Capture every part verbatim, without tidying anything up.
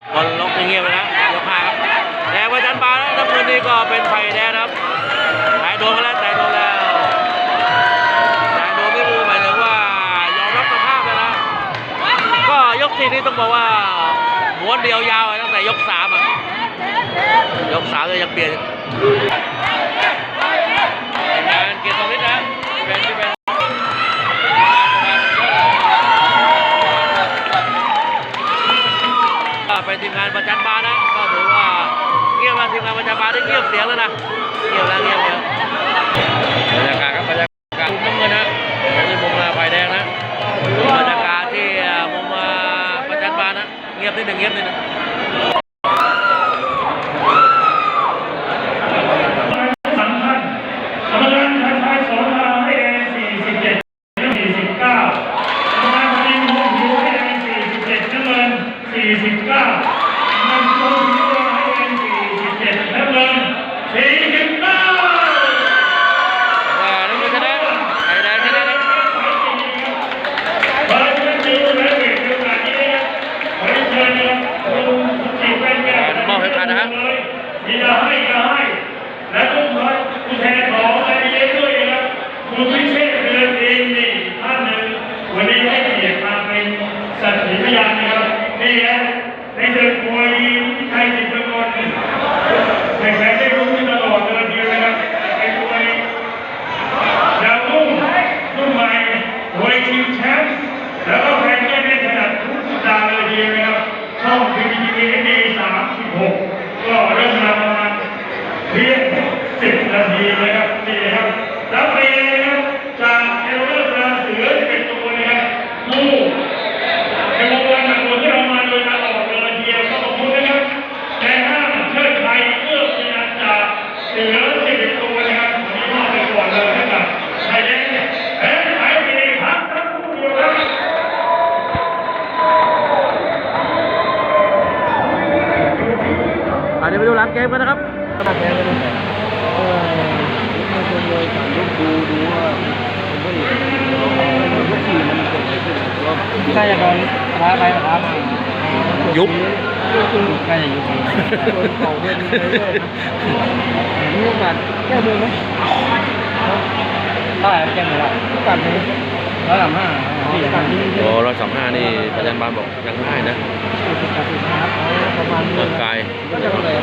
คนล็อกเงียบๆไปนะยกห้าครับแดงประจันบานแล้วน้ำเงินนี่ก็เป็นไผ่แดงครับแต่โดนมาแล้วแต่โดนแล้วแต่โดนไม่รู้หมายถึงว่ายอมรับสภาพแล้วนะก็ยกสี่นี่ต้องบอกว่าม้วนเดียวยาวตั้งแต่ยกสามอ่ะยกสามเลยยังเปลี่ยนงานเกียรติสมิทธิ์นะเป็นที่เป็นเป็นทีมงานประจันบานนะก็ถือว่าเงียบมาทีมงานประจันบานได้เงียบเสียงแล้วนะเงียบแล้วเงียบแล้วบรรยากาศครับบรรยากาศมุมน้ำเงินนะนี่มุมไฟแดงนะบรรยากาศที่มุมประจันบานนะเงียบนิดหนึ่งเงียบนิดหนึ่งอย่าให้อย่าให้และทุกคนผู้แทนของไอเอด้วยนะครับคุณพิเชษเดือนเองนี่ท่านหนึ่งวันนี้ให้เกียรติมาเป็นสักขีพยานนะครับนี่นะในเรื่องมวยไทยสิบประกอบแข่งขันได้รู้ตลอดเดือนเดียวนะครับเป็นมวยดาวรุ่งรุ่นใหม่มวยชิงแชมป์แล้วก็แข่งกันในขนาดทุกสัปดาห์เลยทีเดียวนะครับช่องพีบีทีเอสามสิบหกก็เริ่มมาประมาณเพียงสิบนาทีนะครับนี่ครับแล้วไปนะครับจากเอลเลอร์ราเสือจะเป็นตัวนะครับผู้ในวงการหนักตัวที่เรามาโดยตลอดเลยทีเดียวก็ขอบคุณนะครับแต่ห้ามเชิดไทยเพื่อเป็นการจากเสือสิบเอ็ดตัวนะครับวันนี้มอบไปก่อนเลยนะครับไทยแลนด์แพ้ไทยเองพักทั้งคู่เดียวครับเดี๋ยวไปดูหลังเกมกันนะครับหลังเกมกันดูเออไม่คนเลยสามยกดูดูว่าผมก็เห็นยกสี่มันเกิดอะไรขึ้นน่าจะโดนท้าไปท้ามายุบน่าจะยุบโดนเข่าเดินไปเรื่อยมีโอกาสแก้มือไหมเท่าไหร่แก้มือละโอกาสไหมร้อยสามห้าโอ้ร้อยสามห้านี่ประจันบานบอกยังง่ายนะประมาณเมืองไกลก็จะเลย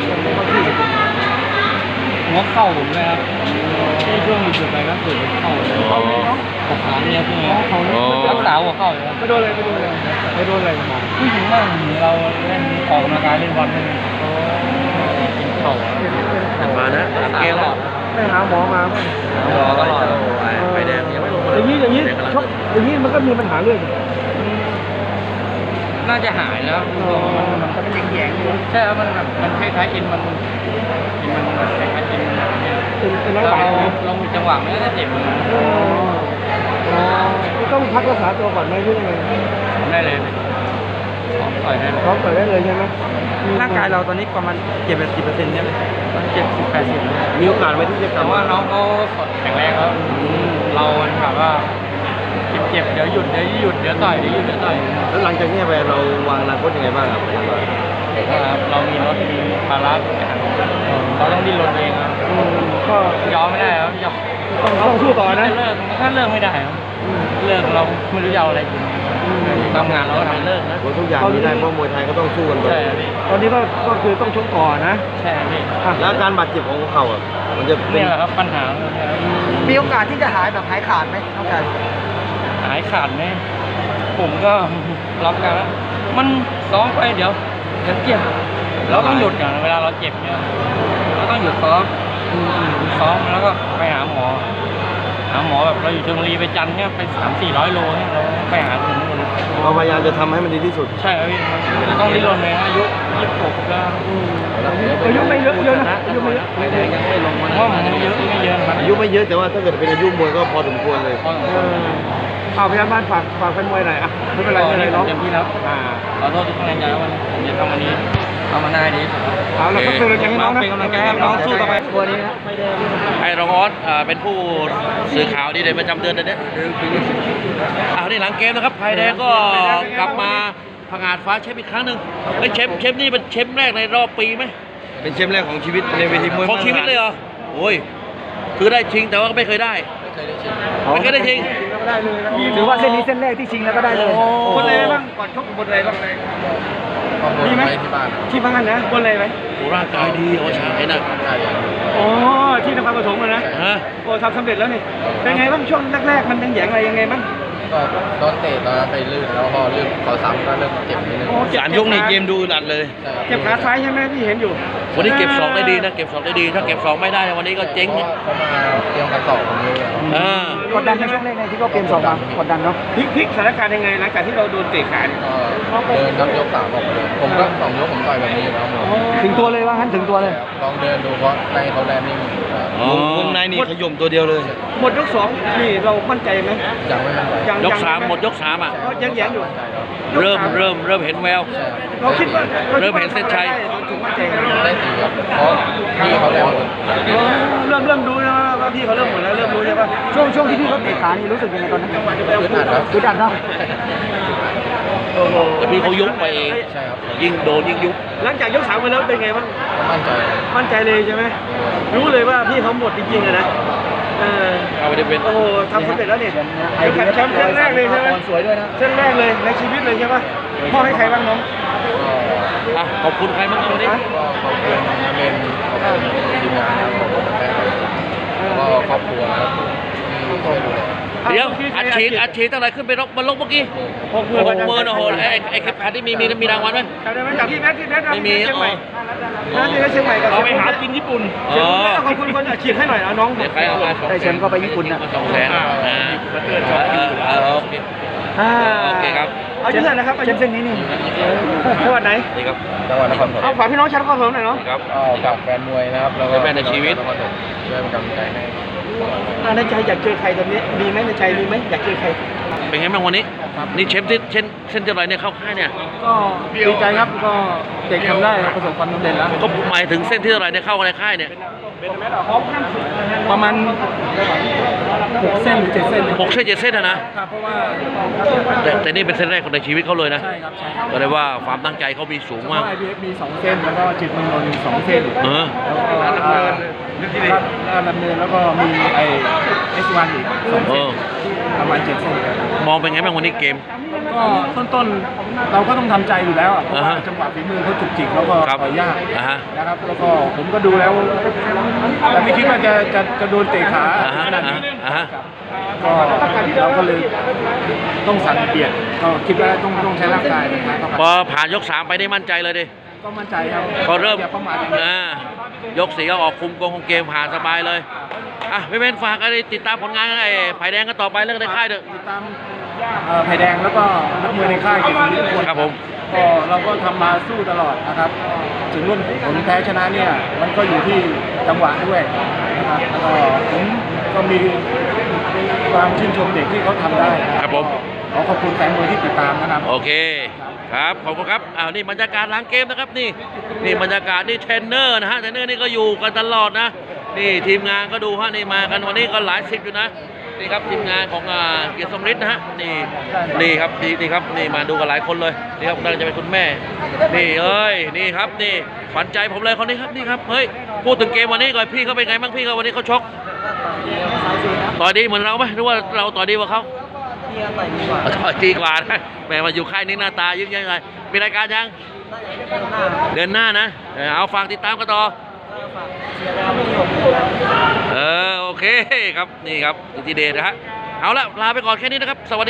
หัวเข่าผมเลยครับที่ช่วงมีจุดไปก็คือเข่าเข้าเลยเนาะขบขาเนี่ยพวกนี้รักษาหัวเข่าเลยไม่โดนเลยไม่โดนเลยไม่โดนอะไรมาผู้หญิงบ้างเราเล่นออกกำลังกายเล่นบอลเป็นกินเข่ามานะเกมแล้วไม่หาหมอมาไม่หมอตลอดไฟแดงยังไม่ลงมาอย่างนี้อย่างนี้ชกอย่างนี้มันก็มีปัญหาเรื่องน่าจะหายแล้วมันจะเป็นแยงๆอยู่ใช่แล้วมันแบบมันคล้ายๆเอ็นมันเอ็นมันคล้ายๆเอ็นเราเรามีจังหวะไม่ได้เจ็บเลยอ๋อต้องพักรักษาตัวก่อนไหมหรือยังไงได้เลยพร้อมต่อยได้เลยพร้อมต่อยได้เลยใช่ไหมร่างกายเราตอนนี้ประมาณเจ็ดสิบเปอร์เซ็นต์ใช่ไหมมันเจ็ดสิบแปดสิบมีโอกาสไว้ที่จะกลับว่าน้องเขาแข็งแรงแล้วเราแบบว่าเจ็บเดี๋ยวหยุดเดี๋ยวหยุดเดี๋ยวต่อยเดี๋ยวหยุดเดี๋ยวต่อยแล้วหลังจากนี้ไปเราวางอนาคตยังไงบ้างครับเรามีรถมีภาระเราต้องดิ้นรนเองครับก็ยอมไม่ได้ครับยอมต้องสู้ต่อนะเลิกถ้าเลิกไม่ได้ครับเลิกเราไม่รู้จะเอาอะไรกินทำงานเราก็ทำเลิกนะทุกอย่างที่ได้เพราะมวยไทยก็ต้องสู้กันไปตอนนี้ก็ก็คือต้องชกต่อนะใช่พี่แล้วการบาดเจ็บของเขาอ่ะมันจะนี่แหละครับปัญหามีโอกาสที่จะหายแบบหายขาดไหมน้องชายหายขาดไหมผมก็รับกันแล้วมันซ้อมไปเดี๋ยวเดี๋ยวเจ็บเราต้องหยุดอย่างเวลาเราเจ็บเนี่ยเราต้องหยุดซ้อมซ้อมแล้วก็ไปหาหมอหาหมอแบบเราอยู่ชลบุรีไปจันทร์เนี่ยไปสามสี่ร้อยโลเนี่ยเราไปหาถึงนู่นเราพยายามจะทำให้มันดีที่สุดใช่ครับพี่ต้องริ้นรนเลยอายุยี่สิบหกแล้วอายุไม่เยอะเยอะนะอายุไม่เยอะไม่ได้ยังไม่ลงมาว่ามันเยอะไม่เยอะอายุไม่เยอะแต่ว่าถ้าเกิดเป็นอายุมวยก็พอสมควรเลยเอาพยาบาลฝากฝากแฟนมวยหน่อยอ่ะไม่เป็นไรไม่เป็นไรเนาะเต็มที่แล้วขอโทษทุกคนในใจวันผมจะทำวันนี้ทำมาหน้าดีเอาแล้วก็เป็นกำลังใจให้น้องนะเป็นกำลังใจให้น้องสู้ต่อไปวันนี้นะไอ้รองออสเป็นผู้สื่อข่าวดีเด่นประจำเดือนเดือนนี้เอาที่หลังเกมนะครับไผ่แดงก็กลับมาพพังงาดฟ้าแชมป์อีกครั้งหนึ่งไอ้ยแชมป์แชมป์นี่เป็นแชมป์แรกในรอบปีไหมเป็นแชมป์แรกของชีวิตในเวทีมวยของชีวิตเลยเหรอโอ้ยคือได้ชิงแต่ว่าก็ไม่เคยได้ ไม่เคยได้ชิงถือว่าเส้นนี้เส้นแรกที่ชิงแล้วก็ได้เลยโอ้บนอะไรบ้างก่อนชกบนอะไรบ้างมีไหมที่บ้านที่บ้านนะบนอะไรไหมโหร่างกายดีเอาชาไอ้น่ะอ๋อที่นครปฐมนะฮะโอ้ทำสำเร็จแล้วนี่เป็นไงบ้างช่วงแรกๆมันยังแหยงอะไรยังไงบ้างก็โดนเตะตอนนั้นไปลื่นแล้วพอลื่นพอซ้ำก็เริ่มเจ็บนิดนึงโอ้เจ็บสามยกนี่เกมดูหลัดเลยใช่ครับเจ็บขาซ้ายใช่ไหมที่เห็นอยู่วันนี้เก็บสองได้ดีนะเก็บสองได้ดีถ้าเก็บสองไม่ได้วันนี้ก็เจ๊งเพราะว่าเขามาเตรียมกันสอบผมเลยอะอ่ากดดันในช่วงแรกในที่เขาเกมสองมากดดันเนาะพลิกพลิกสถานการณ์ยังไงหลังจากที่เราโดนเตะขาเนี่ยก็เดินครับยกสามออกไปเลยผมก็สองยกผมต่อยแบบนี้อยู่แล้วผมถึงตัวเลยว่างั้นถึงตัวเลยลองเดินดูเพราะในเขาแลนดิ้งอยู่ครับอ๋อวงในนี่ขย่มตัวเดียวเลย หมดยกสองนี่เรามั่นใจไหมยังไม่มั่นใจยังยกสามหมดยกสามอ่ะก็ยังแหยงอยู่เริ่มเริ่มเริ่มเห็นแววใช่ครับเราคิดว่าเริ่มเห็นเส้นชัยถึงมั่นใจไงได้ตีครับเพราะพี่เขาแลนหมดอ๋อเริ่มเริ่มรู้นะว่าพี่เขาเริ่มหมดแล้วเริ่มรู้ใช่ปะช่วงช่วงที่พี่เขาเตะขานี่รู้สึกยังไงตอนนั้นพื้นฐานครับคือดันเนาะโอ้โหแต่พี่เขายุบไปเองใช่ครับยิ่งโดนยิ่งยุบหลังจากยกสามไปแล้วเป็นไงบ้างก็มั่นใจมั่นใจเลยใช่ไหมรู้เลยว่าพี่เขาหมดจริงๆอะนะเออเอาไปได้เป็นโอ้โหทำสำเร็จแล้วเนี่ยไอแชเดียมป์แชมป์แชมป์แรกเลยใช่ไหมสวยด้วยนะเส้นแรกเลยในชีวิตเลยใช่ปะพ่อให้ใครบ้างน้องก็อ่ะขอบคุณใครบ้างวันนี้ก็ขอบคุณนาเมนขอบคุณทีมงานนะครับขอบคุณแฟนคลับแล้วก็ครอบครัวนะครับที่ช่วยดูแลเดี๋ยวอัดฉีดอัดฉีดตั้งแต่ขึ้นไปรบมันลงเมื่อกี้หกหมื่หนกหมื่นโอ้โหไอ้ไอ้เข็มขัดที่มีมีมีรางวัลไหมจำได้ไหมจากที่แมทที่แมทไม่มีเชียงใหม่อ๋อนะที่เชียงใหม่กับเอาไปหากินญี่ปุ่นอ๋อขอบคุณคนอัดฉีดให้หน่อยนะน้องเดี๋ยวใครเอามาสองได้แชมป์ก็ไปญี่ปุ่นนะสองแสนอ่าเออเออโอเคอ่าโอเคครับอายุเท่าไหร่นะครับอาเชยุมป์เส้นนี้นี่จังหวัดไหนนี่ครับจังหวัดนครปฐเอามฝากพี่น้องชาวนครปฐมหน่อยเนาะนี่ครับก็ฝากแฟนมวยนะครับแล้วก็เป็นแฟนในชีวิตนครปฐมช่วยเป็นกำลังใจให้อ่าในใจอยากเจอใครตอนนี้มีไหมในใจมีไหมอยากเจอใครเป็นไงบ้างวันนี้ นี่เชฟที่เช่นเส้นเท่าไหรเนี่ยเข้าค่ายเนี่ยก็ดีใจครับก็เด็กทำได้ประสบความสำเร็จแล้วก็หมายถึงเส้นที่เท่าไหรเนี่ยเข้าในค่ายเนี่ยประมาณหกเส้นหรือเจ็ดเส้นหกเส้นเจ็ดเส้นอะนะครับเพราะว่าแต่แต่นี่เป็นเส้นแรกของในชีวิตเขาเลยนะใช่ครับใช่ครับก็เลยว่าความตั้งใจเขามีสูงเพมากราะ ไอ พี เอฟ มีสองเส้นแล้วก็จิตเมืองนนท์มีสองเส้นเออแล้วก็ราชดำเนินแล้วก็มีไอเอสวันอีกสองเอเส้นอประมาณเจ็ดเส้นมองเป็นไงบ้างวันนี้เกมก็ต้นๆเราก็ต้องทำใจอยู่แล้วอะเพราะว่าอ่าฮะจังหวะฝีมือเขาจุกจิกแล้วก็ครับต่อยยากอ่าฮะนะครับแล้วก็ผมก็ดูแล้วแต่ไม่คิดว่าจะจะจะโดนเตะขาอ่าฮะขนาดนี้อ่าฮะก็เราก็เลยต้องสั่งเปลี่ยนก็คิดว่าต้องต้องใช้ร่างกายนะครับพอผ่านยกสามไปได้มั่นใจเลยดิก็มั่นใจครับพอเริ่มอย่าประมาทอย่างนี้อ่ายกสี่ก็ออกคุมโกงของเกมผ่านสบายเลยอ่ะไม่เป็นฝากอะไรติดตามผลงานไอ้ไผ่แดงกันต่อไปเรื่องในค่ายเถอะติดตามเอ่อไผ่แดงแล้วก็นักมวยในค่ายเกียรตินิพนธ์ครับผมก็เราก็ทำมาสู้ตลอดนะครับ ถึงรุ่นผลแพ้ชนะเนี่ยมันก็อยู่ที่จังหวะด้วยนะครับแล้วก็ผมก็มีความชื่นชมเด็กที่เขาทำได้นะครับผมขอขอบคุณแฟนมวยที่ติดตามนะครับโอเคครับขอบคุณครับอ้าวนี่บรรยากาศหล้างเกมนะครับนี่นี่บรรยากาศนี่เทรนเนอร์นะฮะเทรนเนอร์นี่ก็อยู่กันตลอดนะนี่ทีมงานก็ดูฮะนี่มากันวันนี้ก็หลายสิบอยู่นะนี่ครับทีมงานของอ่าเกียรติสมฤทธิ์นะฮะนี่นี่ครับนี่นี่ครับนี่มาดูกันหลายคนเลยนี่ครับน่าจะเป็นคุณแม่นี่เอ้ยนี่ครับนี่ขวัญใจผมเลยคนนี้ครับนี่ครับเฮ้ยพูดถึงเกมวันนี้ก่อนพี่เขาเป็นไงบ้างพี่เขาวันนี้เขาชกต่อยดีเหมือนเราไหมหรือว่าเราต่อยดีกว่าเขา ต่อยดีกว่านะแหมมาอยู่ค่ายนี้หน้าตายิ้มยังไงมีรายการยัง เดือนหน้านะเออเอาฝากติดตามกันต่อ เออ โอเคครับ นี่ครับอิทธิเดชนะฮะ เอาละลาไปก่อนแค่นี้นะครับ สวัสดี